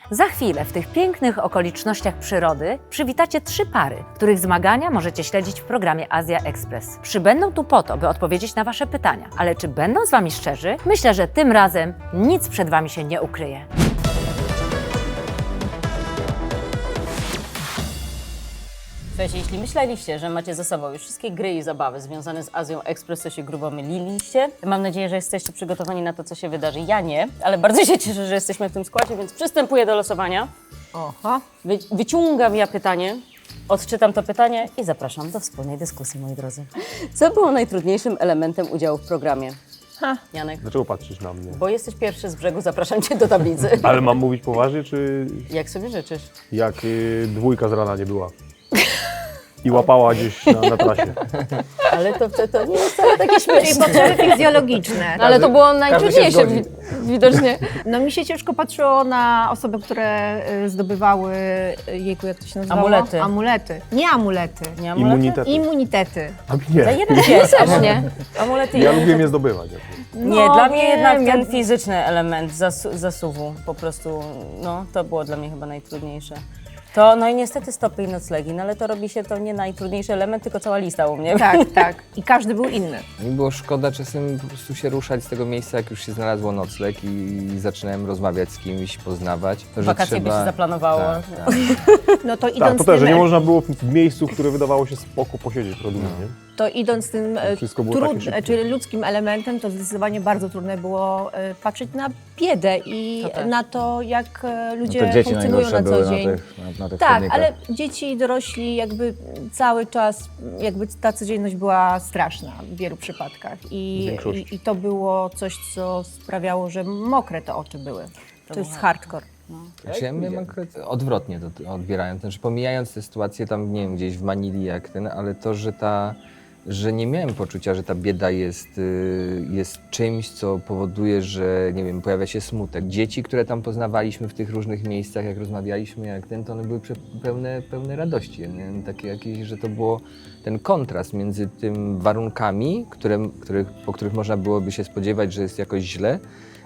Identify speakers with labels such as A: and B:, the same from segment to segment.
A: Za chwilę w tych pięknych okolicznościach przyrody przywitacie 3 pary, których zmagania możecie śledzić w programie Azja Express. Przybędą tu po to, by odpowiedzieć na Wasze pytania, ale czy będą z Wami szczerzy? Myślę, że tym razem nic przed Wami się nie ukryje. Słuchajcie, jeśli myśleliście, że macie ze sobą już wszystkie gry i zabawy związane z Azją Express, to się grubo myliliście. Mam nadzieję, że jesteście przygotowani na to, co się wydarzy. Ja nie, ale bardzo się cieszę, że jesteśmy w tym składzie, więc przystępuję do losowania.
B: Oho.
A: Wyciągam ja pytanie, odczytam to pytanie i zapraszam do wspólnej dyskusji, moi drodzy. Co było najtrudniejszym elementem udziału w programie? Janek,
C: Dlaczego patrzysz na mnie?
A: bo jesteś pierwszy z brzegu, zapraszam Cię do tablicy.
C: Ale mam mówić poważnie, czy
A: Jak sobie życzysz?
C: jak dwójka z rana nie była? I łapała gdzieś na trasie.
A: Ale to nie jest wcale takie
B: Czyli
A: śmieszne.
B: potrzeby fizjologiczne.
D: No ale to było najtrudniejsze widocznie.
B: No mi się ciężko patrzyło na osoby, które zdobywały, jejku, jak to się nazywało?
A: Amulety.
B: Amulety. Nie amulety.
A: Nie amulety?
C: Immunitety.
B: Immunitety.
C: A mi
A: Za
C: nie.
A: jeden pies.
D: Też nie.
A: Amulety
C: Ja
A: i-
C: lubię je zdobywać.
A: Nie, dla mnie jednak
B: wiem,
A: ten fizyczny element zasuwu po prostu, no to było dla mnie chyba najtrudniejsze. To, no i niestety stopy i noclegi, no ale to robi się to nie najtrudniejszy element, tylko cała lista u mnie.
B: Tak, tak. I każdy był inny.
E: Mi było szkoda czasem po prostu się ruszać z tego miejsca, jak już się znalazło nocleg i zaczynałem rozmawiać z kimś, poznawać. To, że
A: Wakacje by się zaplanowało.
E: Tak, tak.
B: No to idąc
C: Tak, to też, że
B: tym,
C: nie można było w miejscu, które wydawało się spoko posiedzieć trochę dłużej, nie?
B: to idąc tym
C: Wszystko było takie szybkie.
B: czyli ludzkim elementem, to zdecydowanie bardzo trudne było patrzeć na biedę i
A: To tak.
B: na to, jak ludzie
F: Te dzieci
B: funkcjonują
F: najgorsze
B: na
F: były
B: co dzień.
F: na tych
B: Tak,
F: chodnikach.
B: ale dzieci i dorośli jakby cały czas, jakby ta codzienność była straszna w wielu przypadkach
C: W
B: i
C: większości.
B: to było coś, co sprawiało, że mokre te oczy były. To jest hardcore.
E: Znaczy, ja miałem akurat odwrotnie to odbierałem, znaczy pomijając tę sytuację tam, nie wiem, gdzieś w Manili jak ten, ale to, że nie miałem poczucia, że ta bieda jest czymś, co powoduje, że nie wiem, pojawia się smutek. Dzieci, które tam poznawaliśmy w tych różnych miejscach, jak rozmawialiśmy, jak ten, to one były pełne radości. Nie? Takie jakieś, że to było ten kontrast między tym warunkami, po których można byłoby się spodziewać, że jest jakoś źle,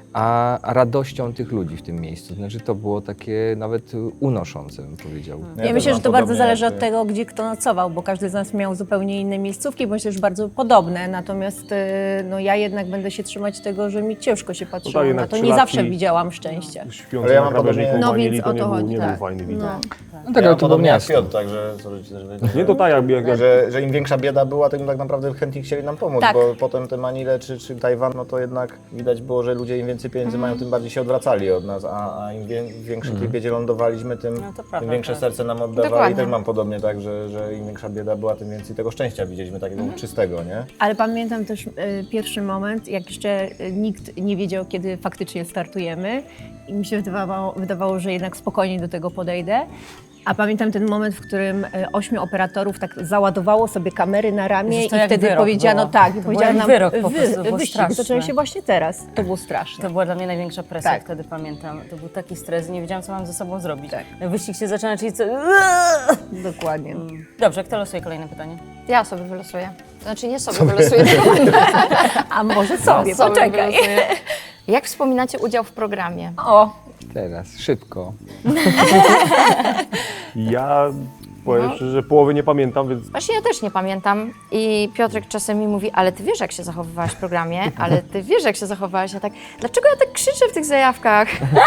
E: a radością tych ludzi w tym miejscu. Znaczy to było takie nawet unoszące, bym powiedział.
B: Ja myślę, że to bardzo zależy od tego, gdzie kto nocował, bo każdy z nas miał zupełnie inne miejscówki, bądź też bardzo podobne. Natomiast no, ja jednak będę się trzymać tego, że mi ciężko się patrzyło na
C: jednak
B: to. Nie
C: trzylatki-
B: zawsze widziałam szczęścia.
C: Śpiący
F: Ale ja
C: na
F: mam
C: krawężniku
F: podobnie-
B: No
C: Manili,
B: więc
C: to
B: o
C: nie
B: to
C: był,
B: chodzi,
C: nie
B: tak.
C: był fajny widok.
B: No.
E: No tak, ale to było
F: podobnie jak
E: miasto.
F: Piotr, także sorry,
C: Nie to tak, jak
F: że im większa bieda była, tym tak naprawdę chętnie chcieli nam pomóc,
B: Tak.
F: bo potem te Manile czy Tajwan, no to jednak widać było, że ludzie im więcej pieniędzy mają, tym bardziej się odwracali od nas, a im większy tej biedzie lądowaliśmy, tym,
A: No to prawda,
F: tym większe
A: tak.
F: serce nam oddawali.
D: Dokładnie.
F: I też mam podobnie tak, że im większa bieda była, tym więcej tego szczęścia widzieliśmy, takiego czystego, nie?
B: Ale pamiętam też pierwszy moment, jak jeszcze nikt nie wiedział, kiedy faktycznie startujemy i mi się wydawało, że jednak spokojnie do tego podejdę. A pamiętam ten moment, w którym 8 operatorów tak załadowało sobie kamery na ramię
A: Jezus, to
B: i
A: jak
B: wtedy
A: wyrok
B: powiedziano
A: było.
B: tak,
A: To
B: i
A: było
B: powiedziano
A: jak
B: nam
A: wyrok po prostu, to było
B: wyścig
A: straszne.
B: zaczął się właśnie teraz. To było straszne.
A: To była dla mnie największa presja,
B: Tak.
A: wtedy pamiętam. To był taki stres, nie wiedziałam, co mam ze sobą zrobić.
B: Tak.
A: Wyścig się zaczyna, czyli co...
B: Dokładnie.
A: Dobrze, kto losuje kolejne pytanie?
D: Ja sobie wylosuję. Znaczy nie sobie wylosuję, tylko
B: A może sobie,
D: sobie
B: poczekaj.
D: wylosuję. Jak wspominacie udział w programie?
B: O,
E: Teraz, szybko.
C: Ja powiem szczerze, że połowy nie pamiętam, więc
D: Właśnie ja też nie pamiętam i Piotrek czasem mi mówi, ale ty wiesz, jak się zachowywałaś w programie, ale ty wiesz, jak się zachowywałaś. Ja tak, dlaczego ja tak krzyczę w tych zajawkach?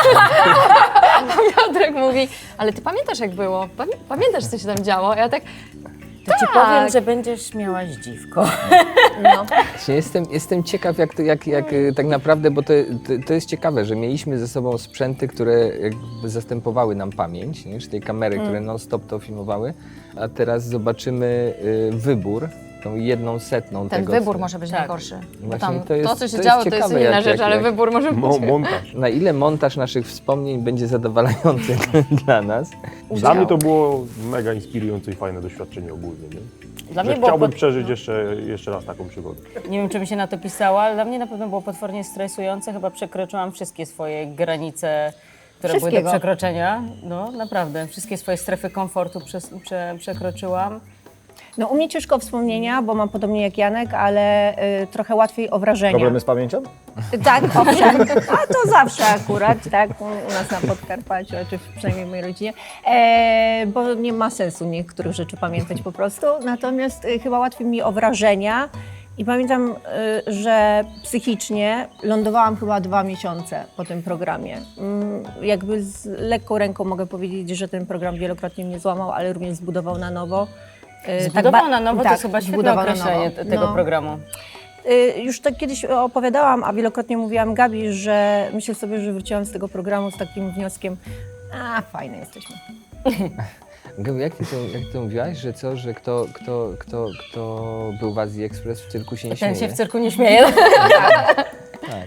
D: A Piotrek mówi, ale ty pamiętasz, jak było? Pamiętasz, co się tam działo? Ja tak,
A: To ci powiem, że będziesz miała zdziwko.
B: no.
E: Właśnie jestem ciekaw, jak tak naprawdę, bo to jest ciekawe, że mieliśmy ze sobą sprzęty, które jakby zastępowały nam pamięć, nie? Czy tej kamery, które non-stop to filmowały, a teraz zobaczymy wybór, tą 1/100
D: ten
E: tego.
D: wybór
E: co-
D: może być
A: Tak.
D: najgorszy. Bo
E: Właśnie
D: tam
E: to jest-
D: to, co się
E: to jest
D: działo, to jest
E: ciekawe,
D: inna
E: jak-
D: rzecz, ale
E: jak-
D: wybór może być.
C: montaż.
E: Na ile montaż naszych wspomnień będzie zadowalający dla nas?
C: Dla mnie to było mega inspirujące i fajne doświadczenie ogólnie, nie?
A: Dla
C: Że
A: mnie było
C: chciałbym przeżyć jeszcze raz taką przygodę.
A: Nie wiem, czy mi się na to pisała, ale dla mnie na pewno było potwornie stresujące. Chyba przekroczyłam wszystkie swoje granice, które były do
B: Wszystkiego.
A: przekroczenia. No, naprawdę. Wszystkie swoje strefy komfortu przekroczyłam.
B: No u mnie ciężko wspomnienia, bo mam podobnie jak Janek, ale trochę łatwiej o wrażenia.
F: Problemy z pamięcią?
B: Tak, owszem. A to zawsze akurat, tak, u nas na Podkarpaciu, czy przynajmniej w mojej rodzinie, bo nie ma sensu niektórych rzeczy pamiętać po prostu. Natomiast chyba łatwiej mi o wrażenia. I pamiętam, że psychicznie lądowałam chyba 2 miesiące po tym programie. Jakby z lekką ręką mogę powiedzieć, że ten program wielokrotnie mnie złamał, ale również zbudował na nowo.
A: Zbudował na nowo, to
B: tak,
A: jest chyba świetne
B: zbudował na
A: określenie
B: nowo.
A: tego
B: No.
A: programu.
B: Już tak kiedyś opowiadałam, a wielokrotnie mówiłam Gabi, że myślę sobie, że wróciłam z tego programu z takim wnioskiem, fajne jesteśmy.
E: Gabi, jak ty to mówiłaś, że co, że kto był w Azji Express w cyrku się nie śmieje?
A: Ten się w cyrku nie śmieje.
E: Tak.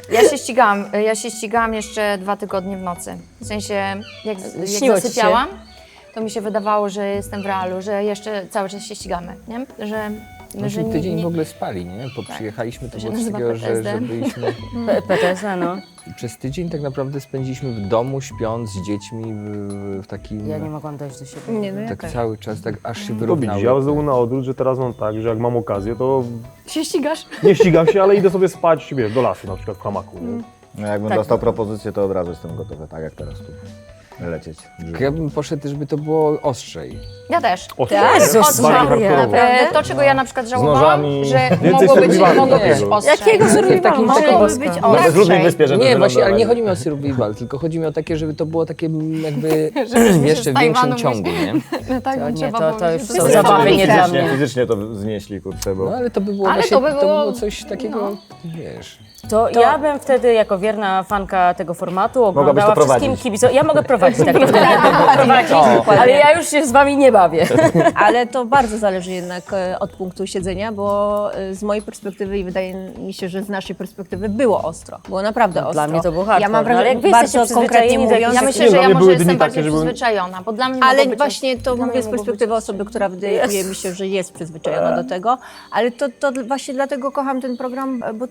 D: Ja się ścigałam jeszcze 2 tygodnie w nocy. W sensie, jak
A: Śniło ci się?
D: zasypiałam, to mi się wydawało, że jestem w realu, że jeszcze cały czas się ścigamy, nie? Że
E: Myśmy
D: nie-
E: tydzień
D: nie-
E: w ogóle spali, nie? Bo
D: Tak.
E: przyjechaliśmy, to
D: To się
E: było coś
D: nazywa
E: takiego, że
D: PTSD.
E: byliśmy...
A: PTSD, no.
E: Przez tydzień tak naprawdę spędziliśmy w domu, śpiąc z dziećmi w takim...
A: Ja nie mogłam dojść do siebie.
B: Nie, no ja
E: tak
B: też.
E: cały czas, tak aż się
C: To widzisz,
E: wyrównały.
C: ja znowu na odwrót, że teraz mam tak, że jak mam okazję, to
D: Się ścigasz?
C: nie ścigam się, ale idę sobie spać, wiesz, do lasu na przykład w hamaku. Nie?
F: No, jakbym
A: Tak.
F: dostał propozycję, to od razu jestem gotowy, tak jak teraz tu lecieć.
E: Ja bym poszedł, żeby to było ostrzej.
D: Ja też.
C: Ostrzej,
A: Jezus
C: nie? Bardziej
A: Maria.
C: hardkorowo.
D: To, czego ja na przykład żałowałam,
F: nożami.
D: że
C: Więcej
D: mogło być
C: survivalu
D: być
C: takiego.
D: ostrzej.
A: Jakiego survivalu?
B: Mogłoby być
F: Na bezludnej
B: ostrzej.
F: wyspie, żeby
E: Nie, właśnie, ale nie
F: wylądować.
E: chodzi mi o survival, tylko chodzi mi o takie, żeby to było takie jakby jeszcze
D: z
E: w większym
D: Tajwanu
E: ciągu, nie?
D: Tak,
A: To nie,
D: trzeba
A: to
D: było
A: już
D: się
A: są
D: wysypać.
A: zabawy nie dla mnie.
F: Fizycznie to znieśli, kurczę, bo...
E: No ale to by było
D: Ale
E: właśnie,
D: to by było-
E: było coś takiego, wiesz...
A: To ja bym wtedy, jako wierna fanka tego formatu,
F: Mogłabyś
A: oglądała
F: to
A: wszystkim
F: prowadzić.
A: kibicom. Ja mogę prowadzić, tak prowadzić, ale ja już się z wami nie bawię.
B: Ale to bardzo zależy jednak od punktu siedzenia, bo z mojej perspektywy i wydaje mi się, że z naszej perspektywy było ostro. Było naprawdę ostro.
A: Dla mnie to był hardcore,
B: Ja mam
A: no, ale jak wy
B: wrażenie,
A: jesteście
B: bardzo konkretnie
A: przyzwyczajeni do
B: mówiąc,
D: Ja
A: jakichś-
D: myślę,
C: Nie,
D: że
C: dla
D: ja
C: mnie
D: może
C: były
D: jestem
C: dni takie,
D: bardziej
C: że byłem-
D: przyzwyczajona, bo dla mnie
B: ale
D: mogło być-
B: właśnie to
D: dla
B: mówię
D: mnie
B: z
D: mogło
B: perspektywy
D: być-
B: osoby, która wydaje mi się, że jest przyzwyczajona do tego, ale to właśnie dlatego kocham ten program, bo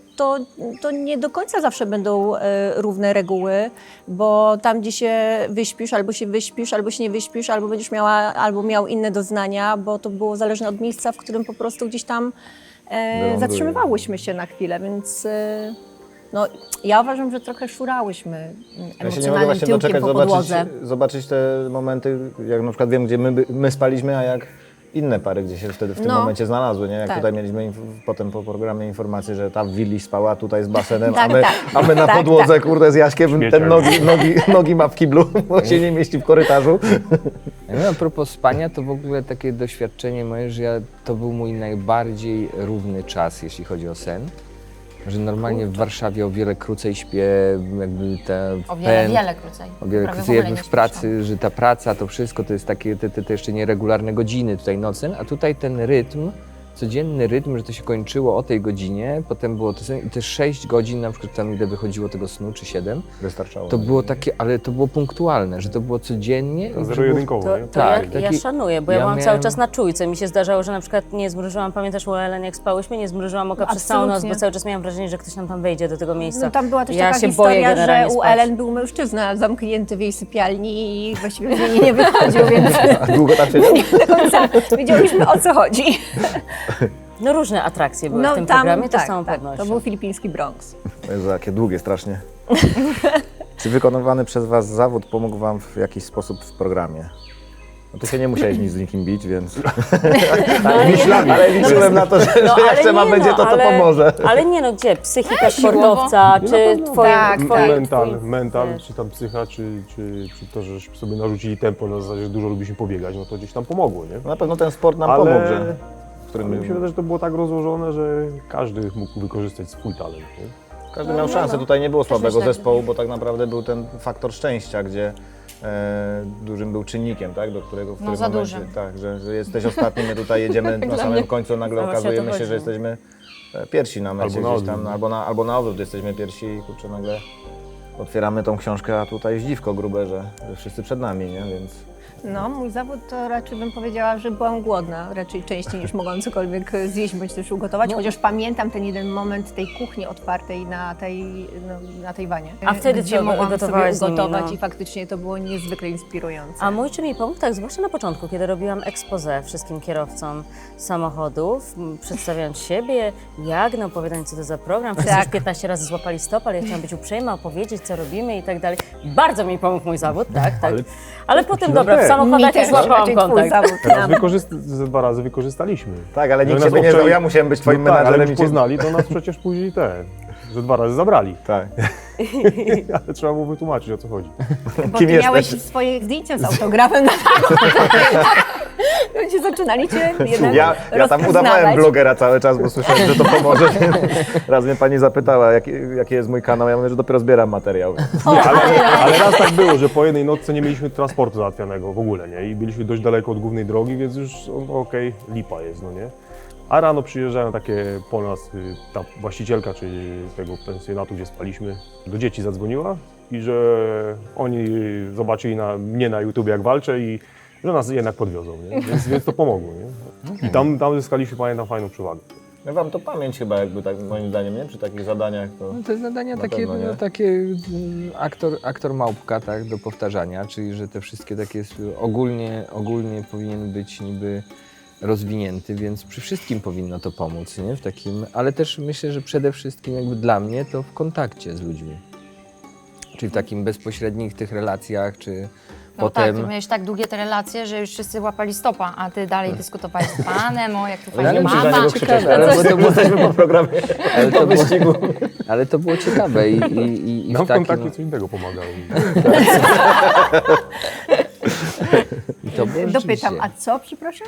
B: to nie do końca zawsze będą równe reguły, bo tam, gdzie się wyśpisz, albo się nie wyśpisz, albo będziesz miała, albo miał inne doznania, bo to było zależne od miejsca, w którym po prostu gdzieś tam
F: Wyląduje.
B: zatrzymywałyśmy się na chwilę, więc no, ja uważam, że trochę szurałyśmy
F: Ja się nie mogę
B: emocjonalnym
F: właśnie
B: tyłkiem
F: doczekać
B: po podłodze.
F: zobaczyć te momenty, jak na przykład wiem, gdzie my spaliśmy, a jak inne pary, gdzie się wtedy w tym
B: No.
F: momencie znalazły, nie? Jak
B: Tak.
F: tutaj mieliśmy potem po programie informację, że ta w willi spała tutaj z basenem,
B: Tak,
F: a my na
B: tak,
F: podłodze,
B: tak.
F: kurde, z Jaśkiem, ten
C: Śmieciak.
F: nogi ma w kiblu, bo się nie mieści w korytarzu.
E: A propos spania, to w ogóle takie doświadczenie moje, że to był mój najbardziej równy czas, jeśli chodzi o sen. Że normalnie w Warszawie o wiele krócej śpię, jakby
D: O wiele krócej.
E: O wiele
D: Prawie
E: krócej
D: w ogóle
E: jakby
D: nie
E: w
D: śpisz,
E: pracy, że ta praca, to wszystko to jest takie te jeszcze nieregularne godziny tutaj nocne, a tutaj ten rytm, codzienny rytm, że to się kończyło o tej godzinie, potem było to i te 6 godzin na przykład tam ile wychodziło tego snu, czy 7,
F: Wystarczało.
E: to było takie, ale to było punktualne, że to było codziennie.
C: To
E: i że
C: zero-jedynkowo,
A: To,
C: nie?
A: to
E: Tak,
A: ja
E: taki-
A: szanuję, bo ja
E: ja
A: byłam cały
E: miałem-
A: czas na czujce. Mi się zdarzało, że na przykład nie zmrużyłam, pamiętasz u Ellen, jak spałyśmy, nie zmrużyłam oka przez całą noc,
B: Absolutnie.
A: bo cały czas miałam wrażenie, że ktoś tam wejdzie do tego miejsca.
B: No, tam była też
A: ja
B: taka
A: się boję
B: historia, że
A: generalnie
B: u
A: spać.
B: Ellen był mężczyzna zamknięty w jej sypialni i właściwie z niej nie wychodził, więc
F: A długo tam siedział?
B: do końca wiedzieliśmy, o co chodzi.
A: No różne atrakcje były w tym programie, to z całą
B: tak,
A: pewnością.
B: to był filipiński Bronx.
F: Jezu, jakie długie strasznie. Czy wykonywany przez Was zawód pomógł Wam w jakiś sposób w programie? No tu się nie musiałeś nic z nikim bić, więc... ale liczyłem na to, że
A: No,
F: jak
A: ale
F: trzeba
A: nie,
F: będzie, to
A: ale-
F: pomoże.
A: Ale nie no, gdzie? Psychika sportowca, czy twoje...
B: Tak,
A: twoje
C: Mental,
A: wiesz.
C: czy tam psycha, czy to, że sobie narzucili tempo na zasadzie, że dużo lubiliśmy pobiegać, no to gdzieś tam pomogło, nie?
F: Na pewno ten sport nam
C: Ale-
F: pomógł, że... w
C: Ale mi się
F: którym
C: wydaje, że to było tak rozłożone, że każdy mógł wykorzystać swój talent, nie?
F: każdy miał szansę. Tutaj nie było słabego
D: myślę,
F: zespołu, bo tak naprawdę był ten faktor szczęścia, gdzie dużym był czynnikiem, tak, do którego w którym
D: za
F: momencie,
D: dużym.
F: tak, że jesteś ostatni, my tutaj jedziemy na samym końcu, nagle
A: No właśnie o to
F: okazujemy się,
A: chodzi,
F: że
A: no.
F: jesteśmy pierwsi na mecie
C: Albo na
F: gdzieś tam,
C: odwrót.
F: albo na odwrót jesteśmy pierwsi i kurczę nagle otwieramy tą książkę, a tutaj zdziwko grube, że wszyscy przed nami, nie, więc...
B: No, mój zawód to raczej bym powiedziała, że byłam głodna, raczej częściej niż mogłam cokolwiek zjeść bądź też ugotować, chociaż pamiętam ten jeden moment tej kuchni otwartej na Tajwanie.
A: A wtedy
B: gdzie
A: co
B: mogłam
A: gotowałaś z
B: sobie
A: nimi,
B: ugotować
A: no?
B: i faktycznie to było niezwykle inspirujące.
G: A mój czy mi pomógł? Tak, zwłaszcza na początku, kiedy robiłam expose wszystkim kierowcom samochodów, przedstawiając siebie, jak, opowiadając co to za program. Wszyscy
B: Tak.
G: już 15 razy złapali stop, ale ja chciałam być uprzejma, opowiedzieć, co robimy i tak dalej. Bardzo mi pomógł mój zawód, tak. Ale potem, dobra, w
B: Mi
G: samochodach
B: też,
G: już złapałam
B: raczej twój
G: kontakt.
B: zawód
C: Teraz
B: nam.
C: ze 2 razy wykorzystaliśmy.
F: Tak, ale
C: No
F: nikt
C: nas
F: ciebie nie
C: obczai-
F: znał, ja musiałem być twoim
C: No tak, ale
F: menadżerem
C: jak
F: i cię...
C: poznali, to nas przecież później że 2 razy zabrali.
F: Tak.
C: Ale trzeba było wytłumaczyć, o co chodzi.
B: Bo
F: Kim
B: ty
F: jesteś?
B: miałeś swoje zdjęcia z autografem na Ludzie zaczynali cię jednak
F: Ja tam
B: rozpoznawać.
F: udawałem blogera cały czas, bo słyszałem, że to pomoże. Raz mnie pani zapytała, jaki jest mój kanał. Ja mówię, że dopiero zbieram materiał.
C: Nie, ale raz tak było, że po jednej nocce nie mieliśmy transportu załatwianego w ogóle, nie? I byliśmy dość daleko od głównej drogi, więc już okej, lipa jest, no nie? A rano przyjeżdżają takie po nas, ta właścicielka, czyli tego pensjonatu, gdzie spaliśmy, do dzieci zadzwoniła i że oni zobaczyli mnie na YouTubie, jak walczę i że nas jednak podwiozą, nie? Więc to pomogło, nie? I tam zyskaliśmy, pamiętam, fajną przewagę.
F: No wam to pamięć chyba jakby tak moim zdaniem, nie? Przy takich zadaniach to...
E: No te zadania
F: Na
E: takie,
F: pewno, nie?
E: takie aktor małpka, tak, do powtarzania, czyli że te wszystkie takie ogólnie powinien być niby rozwinięty, więc przy wszystkim powinno to pomóc, nie? W takim, ale też myślę, że przede wszystkim jakby dla mnie to w kontakcie z ludźmi. Czyli w takim bezpośrednich tych relacjach, czy
D: No
E: potem...
D: tak, ty miałeś tak długie te relacje, że już wszyscy łapali stopa, a ty dalej dyskutowałeś z panem, o jak tu
E: Ale
D: fajnie
E: musisz
F: Musisz na
D: mama.
F: niego krzyczeć,
E: ciekawe,
F: teraz,
E: ale
F: bo
E: to było-
F: jesteśmy po programie
E: Ale to, było,
F: wyścigu.
E: ale to było ciekawe i
C: Nam
E: w
C: w
E: takim...
C: kontakcie co innego pomagało.
E: I to było
B: Dopytam,
E: rzeczywiście-
B: a co, przepraszam?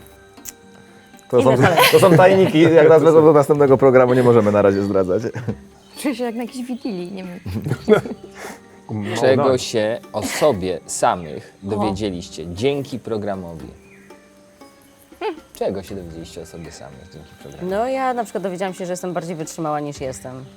F: To są tajniki, jak nas wezmą do następnego programu, nie możemy na razie zdradzać.
D: Czuję się jak na jakiejś wigilii, nie wiem.
C: No,
E: Czego
C: tak.
E: się o sobie samych dowiedzieliście dzięki programowi? Czego się dowiedzieliście o sobie samych dzięki programowi?
G: No ja na przykład dowiedziałam się, że jestem bardziej wytrzymała niż jestem.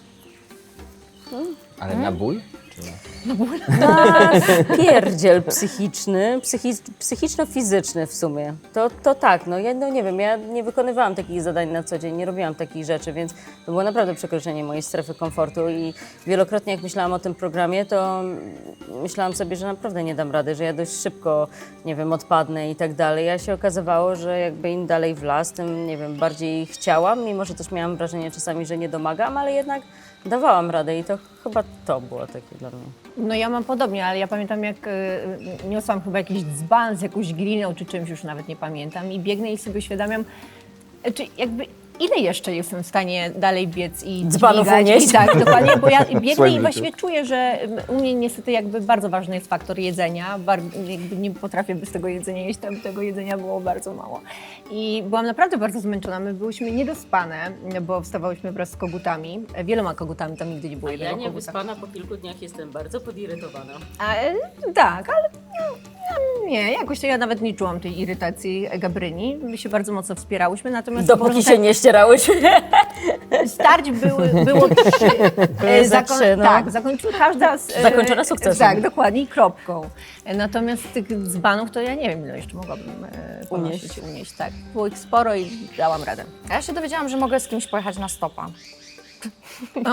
E: Ale na ból? Czy nie?
G: Na pierdziel psychiczny, psychiczno-fizyczny w sumie. To tak, no ja nie wiem, ja nie wykonywałam takich zadań na co dzień, nie robiłam takich rzeczy, więc to było naprawdę przekroczenie mojej strefy komfortu i wielokrotnie jak myślałam o tym programie, to myślałam sobie, że naprawdę nie dam rady, że ja dość szybko, nie wiem, odpadnę i tak dalej. A się okazywało, że jakby im dalej w las, tym, nie wiem, bardziej chciałam, mimo że też miałam wrażenie czasami, że nie domagam, ale jednak dawałam radę i to chyba to było takie dla mnie.
B: No ja mam podobnie, ale ja pamiętam jak niosłam chyba jakiś dzban z jakąś gliną czy czymś, już nawet nie pamiętam i biegnę i sobie uświadamiam, czy jakby ile jeszcze jestem w stanie dalej biec i
G: Dzbanów
B: dźwigać.
G: unieść.
B: I tak, dokładnie, bo ja biegnę
F: swoim
B: i
F: życiu.
B: właściwie czuję, że u mnie niestety jakby bardzo ważny jest faktor jedzenia, jakby nie potrafię bez tego jedzenia jeść, tam tego jedzenia było bardzo mało. I byłam naprawdę bardzo zmęczona, my byłyśmy niedospane, bo wstawałyśmy wraz z kogutami, wieloma kogutami, tam nigdy nie było jednego koguta.
G: po kilku dniach jestem bardzo podirytowana.
B: Tak, ale nie, jakoś to ja nawet nie czułam tej irytacji Gabryni. My się bardzo mocno wspierałyśmy, natomiast
G: Dopóki się nie ścierałyśmy.
B: starć było 3.
G: Za 3, no.
B: Tak, zakończyła każda z...
G: Zakończona sukcesem.
B: Tak, dokładnie, i kropką. Natomiast tych dzbanów to ja nie wiem, ile jeszcze mogłabym unieść. Tak. Było ich sporo i dałam radę.
D: A ja się dowiedziałam, że mogę z kimś pojechać na stopa.
B: O.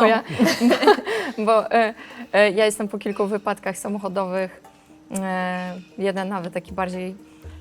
D: Ja jestem po kilku wypadkach samochodowych. Jeden nawet taki bardziej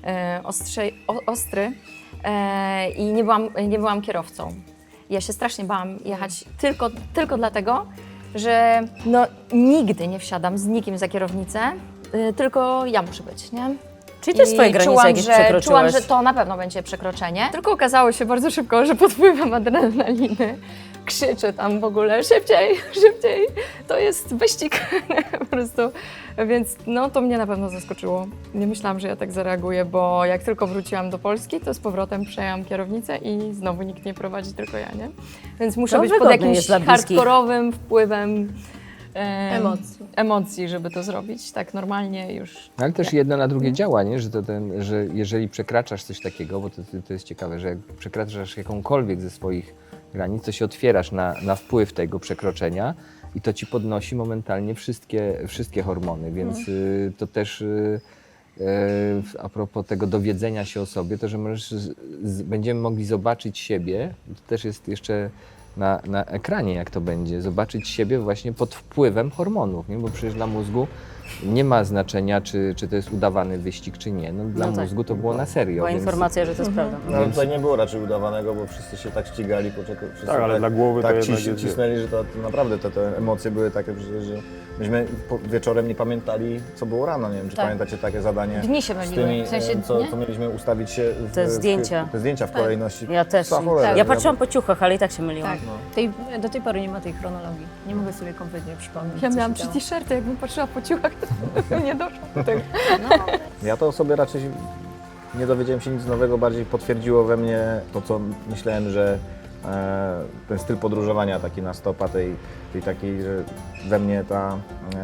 D: ostry i nie byłam kierowcą. Ja się strasznie bałam jechać tylko dlatego, że no, nigdy nie wsiadam z nikim za kierownicę, tylko ja muszę być, nie?
G: Czyli też swoje
D: I
G: granice jakieś
D: czułam,
G: przekroczyłaś.
D: że to na pewno będzie przekroczenie. Tylko okazało się bardzo szybko, że pod wpływem adrenaliny krzyczę tam w ogóle szybciej, szybciej. To jest wyścig po prostu. Więc no to mnie na pewno zaskoczyło. Nie myślałam, że ja tak zareaguję, bo jak tylko wróciłam do Polski, to z powrotem przejęłam kierownicę i znowu nikt nie prowadzi, tylko ja, nie? Więc muszę
G: To
D: być pod
G: wygodne
D: jakimś
G: jest dla bliskich.
D: hardkorowym wpływem
B: Emocji.
D: żeby to zrobić. Tak normalnie już.
E: Ale też jedno na drugie działa, nie? Że jeżeli przekraczasz coś takiego, bo to jest ciekawe, że jak przekraczasz jakąkolwiek ze swoich granic, to się otwierasz na wpływ tego przekroczenia i to ci podnosi momentalnie wszystkie hormony, więc to też a propos tego dowiedzenia się o sobie, to że będziemy mogli zobaczyć siebie, to też jest jeszcze na ekranie, jak to będzie, zobaczyć siebie właśnie pod wpływem hormonów, nie? Bo przecież dla mózgu nie ma znaczenia, czy to jest udawany wyścig, czy nie. No, dla
G: No tak.
E: mózgu to było na serio.
G: Była
E: więc-
G: informacja, że to jest prawda.
F: No ale tutaj nie było raczej udawanego, bo wszyscy się tak ścigali, wszyscy
C: Tak, ale dla głowy to
F: tak
C: jednak jest-
F: cisnęli, że to naprawdę te emocje były takie, że myśmy wieczorem nie pamiętali, co było rano. Nie wiem, czy
B: Tak.
F: pamiętacie takie zadanie
D: Dni się
F: z
D: myliły,
F: tymi,
D: w sensie,
F: co
D: nie?
F: mieliśmy ustawić się
G: Te zdjęcia.
F: te zdjęcia w kolejności.
G: Ja też.
F: Co cholera,
G: Ja patrzyłam po ciuchach, ale i tak się myliłam.
B: Tak. Do tej pory nie ma tej chronologii. Nie mogę sobie kompletnie przypomnieć.
D: Ja
B: co
D: miałam
B: się
D: 3
B: działo.
D: t-shirty, jakbym patrzyła po ciuchach, to nie doszło do tego.
F: Ja to sobie raczej nie dowiedziałem się nic nowego, bardziej potwierdziło we mnie to, co myślałem, że ten styl podróżowania taki na stopa, tej takiej, że we mnie ta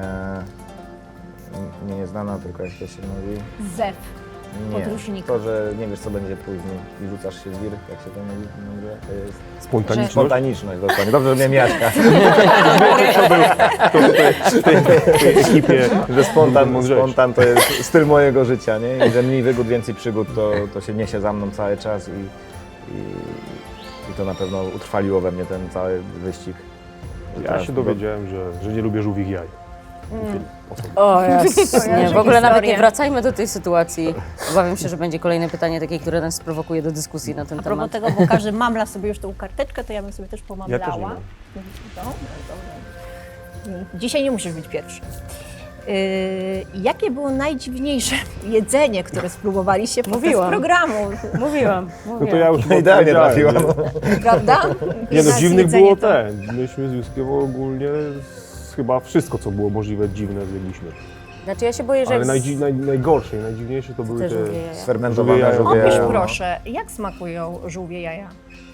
F: nieznana, tylko jak to się mówi.
B: Zew.
F: Nie,
B: Podróżnika.
F: to, że nie wiesz, co będzie później i rzucasz się w wir, jak się to mówi, to jest
C: Spontaniczność.
F: spontaniczność, dokładnie. Dobrze, że miałem Jaśka,
C: W tej ekipie.
F: że
C: mądrzejszy.
F: spontan to jest styl mojego życia, nie? I że mniej wygód, więcej przygód, to się niesie za mną cały czas i to na pewno utrwaliło we mnie ten cały wyścig.
C: Ja się dowiedziałem, że nie lubię żółwich jaj.
G: O Jezus, nie, w ogóle
B: historie.
G: nawet nie wracajmy do tej sytuacji. Obawiam się, że będzie kolejne pytanie takie, które nas sprowokuje do dyskusji na ten
B: A propos
G: temat.
B: tego, bo każdy mamla sobie już tą karteczkę, to ja bym sobie też
C: Ja
B: pomamlała.
C: też nie mam.
B: Dobra. Dzisiaj nie musisz być pierwszy. Jakie było najdziwniejsze jedzenie, które spróbowaliście podczas
G: Mówiłam.
B: programu,
G: Mówiłam.
C: No to ja już chyba
F: Idealnie
C: powiedziałem,
F: trafiła.
C: nie?
B: prawda?
C: Nie no,
B: Nas
C: dziwnych
B: jedzenie
C: było
B: to-
C: Myśmy z Juskiem ogólnie chyba wszystko, co było możliwe dziwne, zjedliśmy.
G: Znaczy ja się boję, że...
C: Ale najgorsze i najdziwniejsze to były
G: te
C: te...
G: żółwie jaja.
F: Sfermentowane
C: Żółwie
F: żółwie
C: jaja.
B: Opisz
F: jaja.
B: proszę, jak smakują żółwie jaja?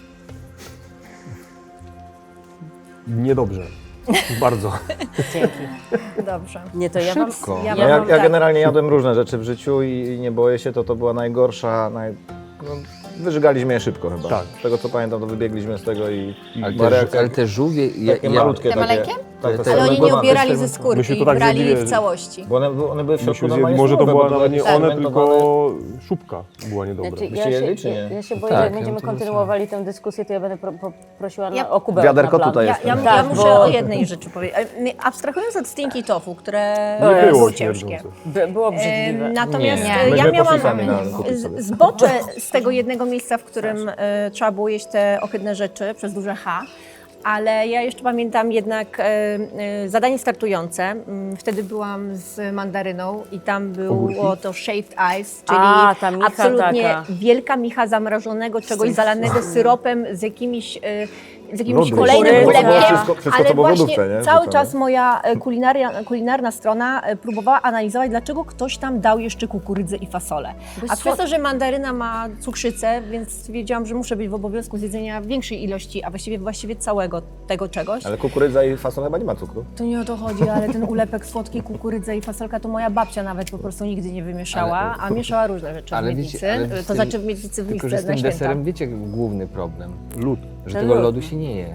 C: Niedobrze. Bardzo.
G: Dzięki.
B: Dobrze.
G: Nie, to ja
E: Szybko.
G: wam...
B: Ja
F: No
B: mam
F: ja
B: tak.
F: generalnie jadłem różne rzeczy w życiu i nie boję się, to była najgorsza, no, wyżygaliśmy je szybko chyba.
C: Tak.
F: Z tego co pamiętam, to wybiegliśmy z tego i
E: Ale
F: była reakcja
E: te żółwie...
F: takie malutkie.
D: Te maleńkie?
F: Tak,
E: Ale
F: te
B: Ale oni nie
F: fermentowane.
B: ubierali ze skórki,
C: Myśmy to tak
B: brali
C: zjedli,
B: w całości.
F: Bo one były w środku
C: Myśmy zjedli,
F: normalnie
C: może to
F: surowe,
C: była
F: bo
C: nawet nie
F: jakieś
C: one,
F: fermentowane.
C: tylko szubka była niedobra.
G: Znaczy,
F: Byście jedli, czy nie?
G: ja się boję,
E: Tak,
G: że będziemy
E: no to
G: kontynuowali tę dyskusję, to ja będę prosiła
B: Ja-
G: o kubełek
F: Wiaderko
G: na plan.
F: tutaj
B: Ja,
F: jest.
B: ja,
G: Tak,
B: ja muszę
G: bo-
B: o jednej rzeczy powiedzieć. Abstrahując od stinky tofu, które
C: Nie było
B: było ciężkie.
C: śmierdzące.
G: Było obrzydliwe.
B: Natomiast
E: Nie.
B: ja
F: Myśmy
B: miałam
F: poszli sami kupić sobie.
B: zbocze z tego jednego miejsca, w którym trzeba było jeść te ohydne rzeczy przez duże H. Ale ja jeszcze pamiętam jednak zadanie startujące. Wtedy byłam z mandaryną i tam było to shaved ice, czyli
G: A, ta micha
B: absolutnie
G: taka.
B: wielka micha zamrażonego czegoś zalanego syropem z jakimiś
F: Lody.
B: kolejnym
G: Kukurydza.
B: ulekiem.
F: Wszystko, co
B: Ale
F: było w
B: właśnie
F: lodówce, nie?
B: cały
F: Wrzucone.
B: czas moja kulinarna strona próbowała analizować, dlaczego ktoś tam dał jeszcze kukurydzę i fasolę. A przez to, że mandaryna ma cukrzycę, więc stwierdziłam, że muszę być w obowiązku zjedzenia większej ilości, a właściwie całego tego czegoś.
F: Ale kukurydza i fasola chyba nie ma cukru.
B: To nie o to chodzi, ale ten ulepek słodki, kukurydza i fasolka to moja babcia nawet po prostu nigdy nie wymieszała, a mieszała różne rzeczy w
E: Ale
B: miednicy.
E: wiecie, ale z
B: To
E: tym-
B: znaczy w miednicy w
E: Tylko, że
B: misce
E: z
B: na
E: tym
B: święta.
E: deserem wiecie główny problem,
C: Lód.
E: że
G: Ten
E: tego
G: lód.
E: lodu się nie je.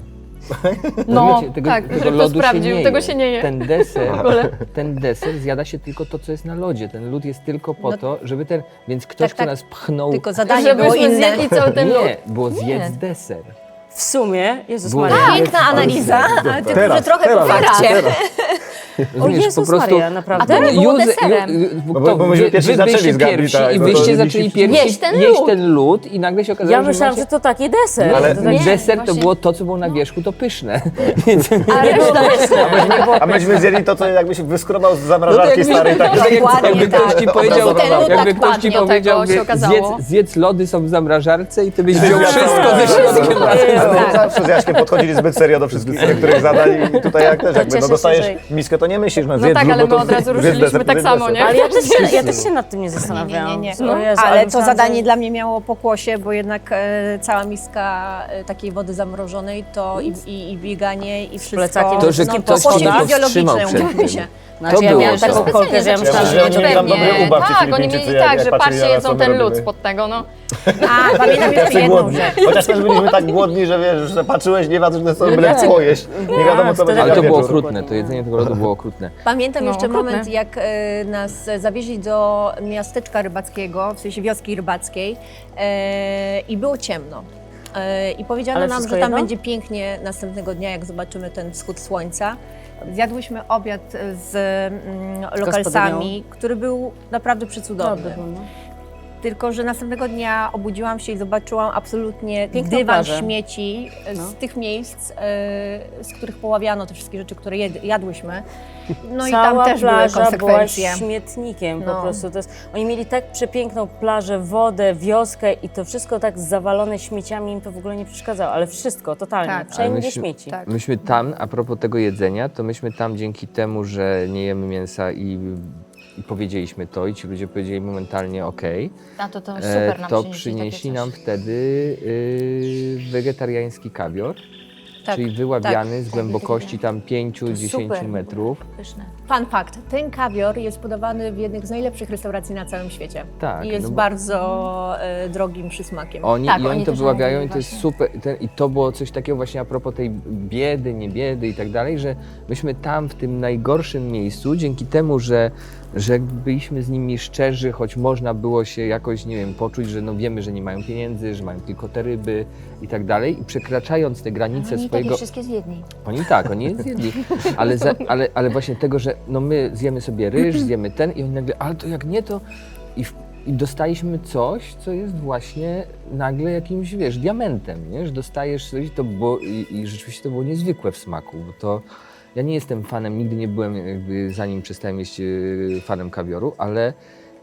D: No,
E: Rozumiecie?
D: tak,
E: tego
D: żeby to
E: lodu
D: sprawdził,
E: się
D: tego się nie je.
E: Ten deser zjada się tylko to, co jest na lodzie. Ten lód jest tylko po
B: No,
E: to, żeby ten... Więc ktoś,
B: tak,
E: kto
B: tak.
E: nas pchnął...
B: Tylko zadanie było
D: Żebyśmy
B: inne.
D: zjedli cały ten lód.
E: Nie, było zjedz deser.
G: W sumie, Jezus
E: Było
G: Maria.
E: zjedz
B: Piękna analiza, ale tylko,
F: Teraz,
B: że trochę po
F: teraz,
B: fakcie.
G: O Jezus Maria, naprawdę.
D: A to było deserem.
F: bo myśmy pierwsi zaczęli
E: byliście
F: z Gabi,
E: pierwsi
F: tak,
E: i
F: no to
E: wyście
C: jedliście
E: zaczęli
C: wszyscy.
E: pierwsi
D: Jeść ten
E: ten lód i nagle się okazało,
G: Ja
E: że
G: myślałam,
E: macie...
G: że to taki deser.
F: Ale
G: To
E: Ten
G: taki-
E: deser to
D: właśnie-
E: było to, co było na wierzchu, to pyszne. Więc
G: Ale reszta nie było
F: A myśmy zjedli to, co jakbyś wyskrobał z zamrażarki
E: jakby-
F: starej. Tak,
B: Dokładnie
E: jakby ktoś
B: tak.
E: ci powiedział,
B: Od razu ten lód
E: jakby
B: tak
E: ktoś ci
D: padnie, od
E: powiedział,
D: tego się
E: wie,
D: okazało.
E: zjedz lody są w zamrażarce i ty byś wziął wszystko ze środkiem.
F: Ale zawsze z Jaśkiem podchodzili zbyt serio do wszystkich niektórych zadań i tutaj jak też, jakby
G: cieszę
F: no
G: się,
F: dostajesz
G: że-
F: miskę, to nie myślisz, no
D: No
F: zjedz
D: tak,
F: lód,
D: ale
F: no to
D: my od razu
F: zjedz
D: ruszyliśmy
F: deser,
D: tak
F: zjedz
D: samo,
F: deser.
D: nie?
G: Ale ja też się nad tym nie zastanawiałam.
B: Nie.
G: O Jezu,
B: Ale to
G: myślałam,
B: zadanie
G: że-
B: dla mnie miało pokłosie, bo jednak cała miska takiej wody zamrożonej to i bieganie i wszystko.
G: plecakiem
E: To, że
B: no,
E: ktoś
B: pokłosie
E: cię powstrzymał
B: fizjologiczne,
E: przed
B: umówmy
E: tym.
B: się.
G: Znaczy ja
E: było
G: miałam
E: to.
G: taką kolkę, że ja myślałam, że
F: Ja
G: będzie
F: oni mieli tam dobry
D: Pewnie,
F: ubaw, ci
D: tak, oni
F: Filipińczycy,
D: mieli
F: jak
D: tak, że
F: patrzyli
D: patrzcie,
F: na nas,
D: jedzą
F: co my
D: ten lód
F: robimy.
D: spod tego, no.
B: A, pamiętam jeszcze jedną
F: głodni.
B: rzecz.
F: Chociaż też byliśmy tak głodni, że wiesz, że patrzyłeś, nie ważne co, byle co jeść. Nie wiadomo co będzie
E: Ale
F: na
E: to było
F: wieczór.
E: okrutne, to jedzenie tego lodu było okrutne.
B: Pamiętam
D: No,
B: jeszcze
D: okrutne.
B: moment, jak nas zawieźli do miasteczka rybackiego, w sensie wioski rybackiej i było ciemno. I powiedziano
G: Ale
B: nam,
G: wszystko
B: że tam
G: jedno?
B: będzie pięknie następnego dnia, jak zobaczymy ten wschód słońca. Zjadłyśmy obiad z lokalsami, który był naprawdę przecudowny.
G: Dobry był, no.
B: Tylko że następnego dnia obudziłam się i zobaczyłam absolutnie
G: Piękną
B: dywan
G: plażę.
B: śmieci z
G: No.
B: tych miejsc, z których poławiano te wszystkie rzeczy, które jadłyśmy. No i
G: Cała
B: tam też były
G: plaża była
B: konsekwencje.
G: śmietnikiem po
B: No.
G: prostu. Oni mieli tak przepiękną plażę, wodę, wioskę i to wszystko tak zawalone śmieciami im to w ogóle nie przeszkadzało, ale wszystko, totalnie,
B: Tak.
E: Ale
G: wszędzie
E: myśmy-
G: śmieci.
B: Tak.
E: Myśmy tam, a propos tego jedzenia, to myśmy tam dzięki temu, że nie jemy mięsa i powiedzieliśmy to i ci ludzie powiedzieli momentalnie okej,
D: A to super nam
E: to
D: przynieśli
E: przynieśli
D: takie
E: nam
D: coś.
E: wtedy wegetariański kawior,
B: Tak,
E: czyli wyławiany z głębokości tam 5-10
D: super.
E: metrów.
D: Pyszne.
B: Fun fact, ten kawior jest podawany w jednych z najlepszych restauracji na całym świecie.
E: Tak,
B: I jest
E: no bo-
B: bardzo drogim przysmakiem.
E: Oni,
D: Tak,
E: I oni
D: oni
E: to
D: też
E: wyławiają
D: mówili
E: i to jest
D: właśnie.
E: super. I to było coś takiego właśnie a propos tej biedy, nie biedy i tak dalej, że myśmy tam w tym najgorszym miejscu, dzięki temu, że byliśmy z nimi szczerzy, choć można było się jakoś, nie wiem, poczuć, że no wiemy, że nie mają pieniędzy, że mają tylko te ryby i tak dalej i przekraczając te granice
D: Oni
E: swojego...
D: takie wszystkie zjedli.
E: Oni je zjedli, ale właśnie tego, że no my zjemy sobie ryż, zjemy ten i oni nagle, ale to jak nie to... I dostaliśmy coś, co jest właśnie nagle jakimś, wiesz, diamentem, nie? Że dostajesz coś to było, i rzeczywiście to było niezwykłe w smaku, bo to... Ja nie jestem fanem, nigdy nie byłem, jakby zanim przestałem jeść fanem kawioru, ale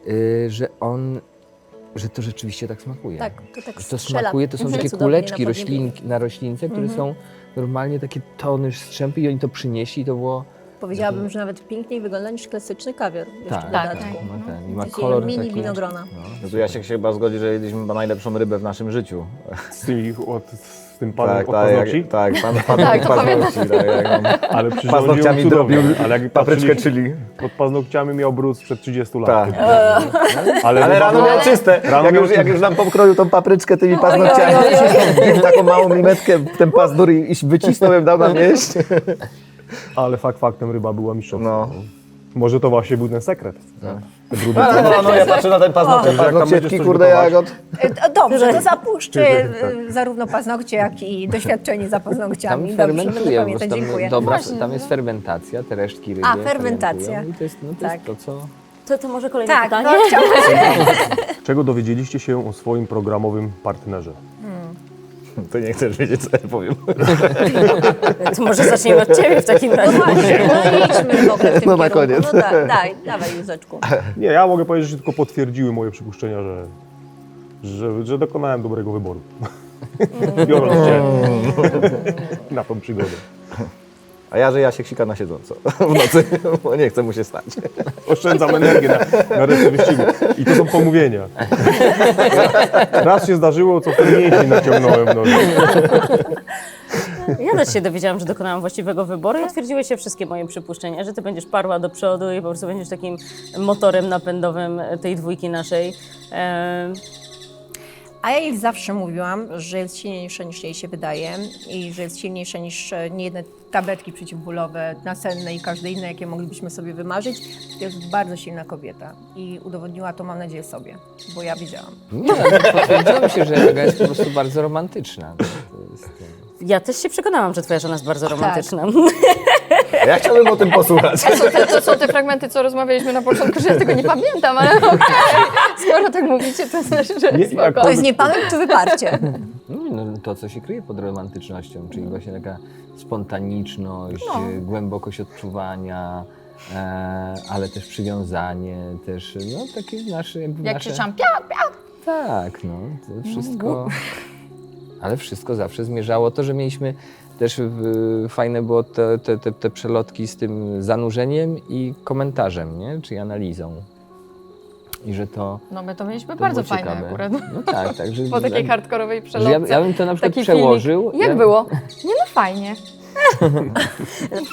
E: że to rzeczywiście tak smakuje.
B: Tak, to tak
E: Że to
B: strzela
E: smakuje, to są takie
B: cudownie
E: kuleczki
B: na podniebieniu.
E: na roślince, które są normalnie takie tony strzępy i oni to przynieśli i to było...
B: Powiedziałabym, że nawet piękniej wygląda niż klasyczny kawior. Jeszcze
E: Tak,
B: w
E: tak,
B: dodatku.
E: ma ten, i ma
B: Takie
E: kolor
B: mini
E: taki...
B: winogrona.
F: No tu Jasiek się chyba zgodzi, że jedliśmy chyba najlepszą rybę w naszym życiu.
C: Z tym panem od paznokci?
F: Tak, pan
D: Tak, to
F: paznokci. Tak, jak on
C: Ale przyrządził
F: paznokciami
C: cudownie.
F: drobił
C: Ale jak
F: papryczkę
C: patrzyliście,
F: chili.
C: pod paznokciami miał brud sprzed 30 lat.
F: Tak.
C: Ale
F: Ale rano miał czyste.
C: Rano miał
F: Jak już nam pokroił tą papryczkę tymi paznokciami, wbił taką małą milimetkę w ten pazdur i wycisnął ją, dał nam jeść.
C: Ale faktem ryba była mistrzowska.
F: No.
C: Może to właśnie był ten sekret. Te brudy.
F: No, ja patrzę na ten paznokcie,
C: Jak tam będziesz
F: paznokcietki,
C: coś
F: kurde,
C: gotować?
F: jak od...
B: Dobrze, to zapuszczę zarówno paznokcie, jak i doświadczenie za
E: Tam
B: paznokciami. Dobrze, będę
E: fermentuje, bo
B: pamiętać, dziękuję.
E: tam jest fermentacja, te resztki ryby
B: A, fermentacja.
E: fermentują i to jest, no, to,
B: Tak.
E: jest to, co...
G: To może kolejne
B: Tak,
G: pytanie?
B: no chciałabym
C: Czego dowiedzieliście się o swoim programowym partnerze?
F: To nie chcesz wiedzieć, co ja powiem.
G: To może zaczniemy od Ciebie w takim razie.
B: Właśnie, no idźmy w ogóle w tym
F: No na
B: kierunku.
F: koniec.
B: No dawaj Józeczku.
C: Nie, ja mogę powiedzieć, że tylko potwierdziły moje przypuszczenia, że dokonałem dobrego wyboru. Biorąc cię na tą przygodę.
F: A ja, że Jasiek sika na siedząco w nocy, bo nie chce mu się stać.
C: Oszczędzam energię na resztę wyścigu. I to są pomówienia. Raz się zdarzyło, co wtedy mięsień naciągnąłem w nocy.
G: Ja też się dowiedziałam, że dokonałam właściwego wyboru i potwierdziły się wszystkie moje przypuszczenia, że Ty będziesz parła do przodu i po prostu będziesz takim motorem napędowym tej dwójki naszej.
B: A ja jej zawsze mówiłam, że jest silniejsza niż jej się wydaje i że jest silniejsza niż niejedne tabletki przeciwbólowe, nasenne i każde inne, jakie moglibyśmy sobie wymarzyć. To jest bardzo silna kobieta i udowodniła to, mam nadzieję, sobie, bo ja wiedziałam.
E: Nie, ale potwierdziło mi się, że Aga jest po prostu bardzo romantyczna. To jest,
G: Ja też się przekonałam, że Twoja żona jest bardzo romantyczna.
F: A ja chciałbym o tym posłuchać.
D: To są te fragmenty, co rozmawialiśmy na początku, że ja tego nie pamiętam, ale okej. Skoro tak mówicie, to znaczy, że
C: Nie,
D: spoko.
C: jak
B: To jest nie pamięć, czy wyparcie.
E: no, to, co się kryje pod romantycznością, czyli właśnie taka spontaniczność, głębokość odczuwania, ale też przywiązanie, też no takie nasze... Jakby
D: Jak
E: nasze...
D: krzyczałam,
E: Tak, no, to wszystko... Ale wszystko zawsze zmierzało to, że mieliśmy też fajne było te przelotki z tym zanurzeniem i komentarzem, nie? Czyli analizą. I że to...
D: no my to mieliśmy
E: to
D: bardzo
E: było
D: fajne
E: ciekawe.
D: akurat.
E: No tak, tak. Że,
D: Po takiej hardkorowej
E: że
D: przelotce.
E: ja bym to na przykład
D: Taki
E: przełożył.
D: filmik. Jak było? Nie no fajnie.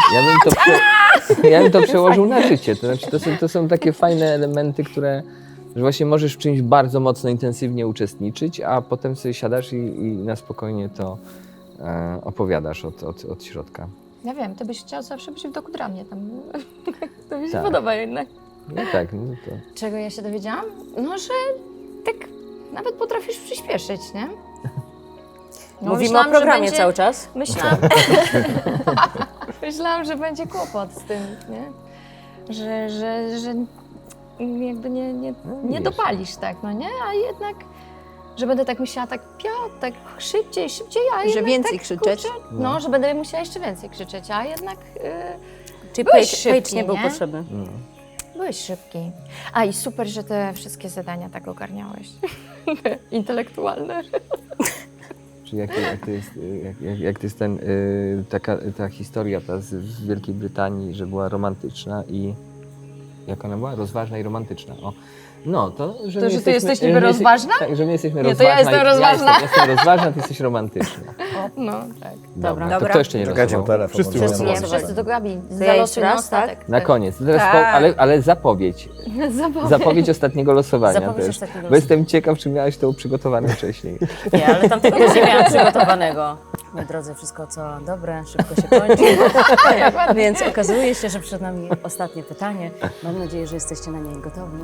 E: Ja bym to przełożył na życie. To znaczy, to są takie fajne elementy, które że właśnie możesz w czymś bardzo mocno, intensywnie uczestniczyć, a potem sobie siadasz i na spokojnie to opowiadasz od środka.
D: Ja wiem, ty byś chciał zawsze być w doku dla mnie tam. To mi się
E: Tak.
D: podoba jednak.
E: No tak, no to...
D: Czego ja się dowiedziałam? No, że tak nawet potrafisz przyspieszyć, nie? No,
G: Mówimy
D: myślałam,
G: o programie
D: że będzie,
G: cały czas.
D: Myślałam, że będzie kłopot z tym, nie? Że jakby nie dopalisz tak, no nie? A jednak, że będę tak myślała, tak Piotr, tak szybciej, a
B: Że
D: jednak
B: więcej
D: tak,
B: krzyczeć.
D: Kurczę, no, że będę musiała jeszcze więcej krzyczeć, a jednak
G: Czyli
D: Byłeś
G: Page
D: szybki,
G: nie był
D: nie?
G: potrzebny.
D: byłeś szybki. A i super, że te wszystkie zadania tak ogarniałeś. Intelektualne.
E: Czy jak to jest ta historia ta z Wielkiej Brytanii, że była romantyczna i jak ona była? Rozważna i romantyczna. O. No, że
D: To,
E: my
D: że ty jesteś
E: że
D: niby
E: my
D: rozważna?
E: Tak, że my jesteśmy
D: Nie, to
E: rozważna.
D: ja jestem rozważna.
E: Ja jestem rozważna, ty jesteś romantyczna.
D: No, tak.
E: Dobra.
B: Dobra.
E: To kto jeszcze nie
F: Czekajcie,
E: rozmawiał?
F: telefon.
C: Wszyscy
F: może
C: już
F: nie
D: Nie,
C: rozmawiali.
D: wszyscy do Gabi.
G: To ja jeszcze
D: Zalosuj na
G: raz, tak?
D: ostatek.
E: Na koniec. Teraz
B: Tak.
E: ale zapowiedź.
D: Zapowiedź.
E: Ostatniego losowania
G: Zapowiedź
E: też.
G: ostatniego
E: Bo jestem ciekaw, czy miałaś to przygotowane wcześniej.
G: Nie, ale tamtego też nie miałam przygotowanego. Moi drodzy, wszystko co dobre, szybko się kończy. Więc okazuje się, że przed nami ostatnie pytanie. Mam nadzieję, że jesteście na nie gotowi.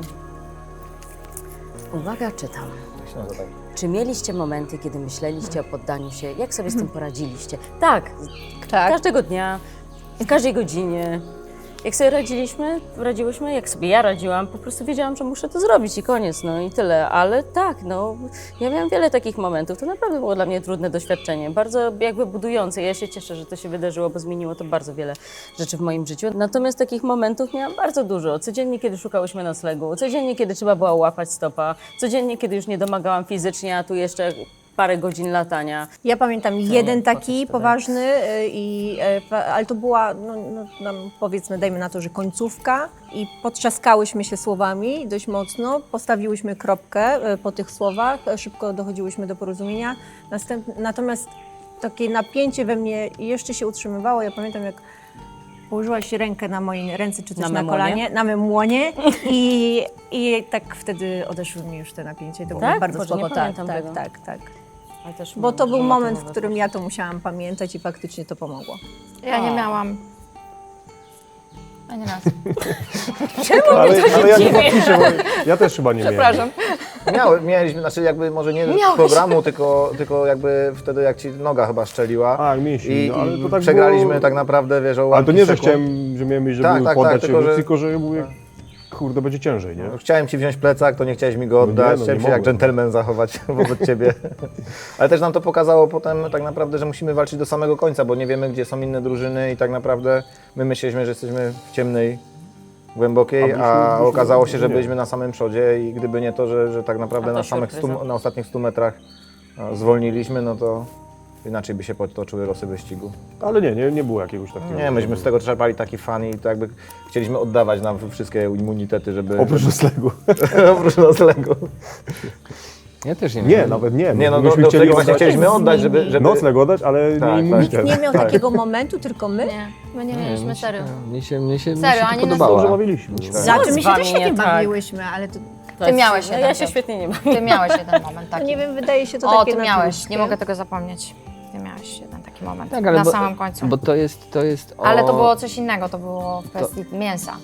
G: Uwaga, czytam. Czy mieliście momenty, kiedy myśleliście o poddaniu się? Jak sobie z tym poradziliście? Tak,
B: Tak.
G: każdego dnia, w każdej godzinie. Jak sobie radziłyśmy, jak sobie ja radziłam, po prostu wiedziałam, że muszę to zrobić i koniec, no i tyle. Ale tak, no, ja miałam wiele takich momentów. To naprawdę było dla mnie trudne doświadczenie, bardzo jakby budujące. Ja się cieszę, że to się wydarzyło, bo zmieniło to bardzo wiele rzeczy w moim życiu. Natomiast takich momentów miałam bardzo dużo. Codziennie, kiedy szukałyśmy noclegu, codziennie, kiedy trzeba było łapać stopa, codziennie, kiedy już nie domagałam fizycznie, a tu jeszcze parę godzin latania.
B: Ja pamiętam jeden
G: proces
B: taki
G: wtedy?
B: poważny, ale to była, powiedzmy, dajmy na to, że końcówka i potrzaskałyśmy się słowami dość mocno, postawiłyśmy kropkę po tych słowach, szybko dochodziłyśmy do porozumienia. Natomiast takie napięcie we mnie jeszcze się utrzymywało. Ja pamiętam, jak położyłaś rękę na mojej ręce, czy też
G: Na
B: na
G: memonie?
B: kolanie, na mym łonie i tak wtedy odeszły mi już te napięcie. To
G: Tak?
B: było bardzo
G: Boże, nie
B: spoko.
G: pamiętam
B: tak,
G: tego.
B: tak.
G: Ale też
B: Bo to był
G: może
B: moment, w
G: to
B: którym ja to musiałam pamiętać i faktycznie to pomogło.
D: Ja nie miałam. Ani raz.
C: Ale ja nie podpiszę, bo ja też chyba nie miałem.
D: Przepraszam.
F: Mieliśmy, znaczy jakby może nie
D: Miałeś.
F: programu, tylko jakby wtedy jak ci noga chyba strzeliła.
C: A, mięśni, no, ale to tak
F: przegraliśmy
C: było...
F: tak naprawdę, wiesz, o
C: Ale
F: łamki
C: to nie, że
F: sekund.
C: chciałem, że miałem iść, żeby
F: Tak, tak,
C: poddać
F: tak,
C: się,
F: tylko, że-
C: tylko że mówię, kurde, będzie ciężej, nie?
F: No, chciałem ci wziąć plecak, to nie chciałeś mi go
C: No nie,
F: oddać,
C: no
F: chciałem
C: nie
F: się jak
C: mogłem.
F: dżentelmen zachować wobec ciebie. Ale też nam to pokazało potem tak naprawdę, że musimy walczyć do samego końca, bo nie wiemy, gdzie są inne drużyny i tak naprawdę my myśleliśmy, że jesteśmy w ciemnej, głębokiej, a okazało się, że
C: nie.
F: byliśmy na samym przodzie i gdyby nie to, że tak naprawdę
G: A to
F: na samych
G: surpryza.
F: na ostatnich 100 metrach zwolniliśmy, no to inaczej by się potoczyły losy wyścigu.
C: Ale nie było jakiegoś takiego.
F: Nie, myśmy z tego czerpali taki fan i to jakby chcieliśmy oddawać nam wszystkie immunitety, żeby...
C: Oprócz noclegu.
F: Oprócz noclegu.
E: Ja też nie
C: Nie,
E: miałem.
C: nawet nie.
F: Nie, no
C: myśmy
F: do
C: chcieli
F: tego właśnie
C: oddać-
F: chcieliśmy oddać, żeby...
C: Nocleg oddać, ale
F: Tak,
C: nie
F: tak.
C: immunitet.
B: Nie miał
C: Tak.
B: takiego momentu, tylko my.
D: Nie, my nie mieliśmy, serio.
E: Mnie się
D: Serio,
E: to
D: ani nas
C: Dobrze
E: podobała.
C: bawiliśmy.
B: Znaczy, my się
G: wami
B: też świetnie
G: nie tak.
B: bawiłyśmy, ale to,
D: Ty miałeś
G: no,
D: jeden
G: ja się
D: Piotr.
G: świetnie nie mam.
D: Ty miałeś jeden moment
B: to
D: taki.
B: nie wiem, wydaje się to
D: O,
B: takie
D: ty miałeś,
B: naturalskie.
D: nie mogę tego zapomnieć. Ty miałeś jeden taki moment,
E: Tak, ale
D: na
E: bo-
D: samym końcu.
E: Bo to jest o...
D: Ale to było coś innego, to było w kwestii mięsa.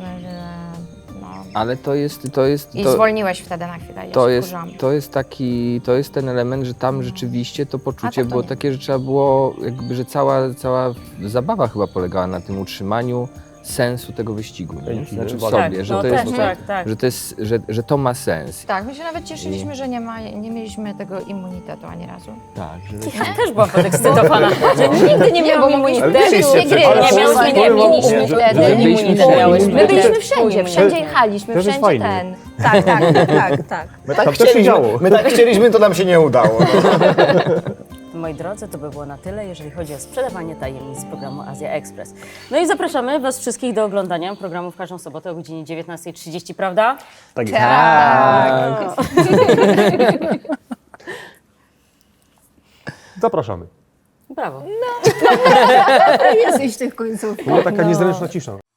D: No.
E: Ale to jest...
D: I
E: to...
D: zwolniłeś wtedy na chwilę, ja
E: To
D: się
E: jest,
D: wkurzałam.
E: to jest ten element, że tam rzeczywiście to poczucie
D: tak to
E: było
D: nie.
E: takie, że trzeba było, jakby, że cała zabawa chyba polegała na tym utrzymaniu sensu tego wyścigu, nie?
C: Chęci,
E: Znaczy w
C: nie?
E: sobie,
G: Tak,
E: że
G: no
E: to
G: też,
E: jest,
G: tak.
E: że to jest, że to ma sens.
D: Tak, my się nawet cieszyliśmy, że nie mieliśmy tego immunitetu ani razu.
E: Tak, że
G: Ja też byłam podekscytowana, że nigdy nie
D: bo
G: miałam
D: mogliśmy
G: immunitetu.
D: też gry,
C: Ale
D: nie
C: powiem
D: miałyśmy,
C: wam,
D: nie mieliśmy
C: że-
D: wtedy.
C: że
E: byliśmy
D: immunitet
E: wszędzie.
D: miałyśmy. My byliśmy
C: Też-
D: wszędzie, wszędzie jechaliśmy,
C: też jest
D: wszędzie
C: fajnie.
D: ten.
B: Tak, tak.
F: My
C: Tam też się działo.
F: my tak chcieliśmy, to nam się nie udało. No.
G: Moi drodzy, to by było na tyle, jeżeli chodzi o sprzedawanie tajemnic z programu Azja Express. No i zapraszamy Was wszystkich do oglądania programu w każdą sobotę o godzinie 19:30, prawda?
C: Tak jest. Zapraszamy.
G: Brawo.
B: Jesteś w tych końcówkach.
C: Była taka niezręczna cisza.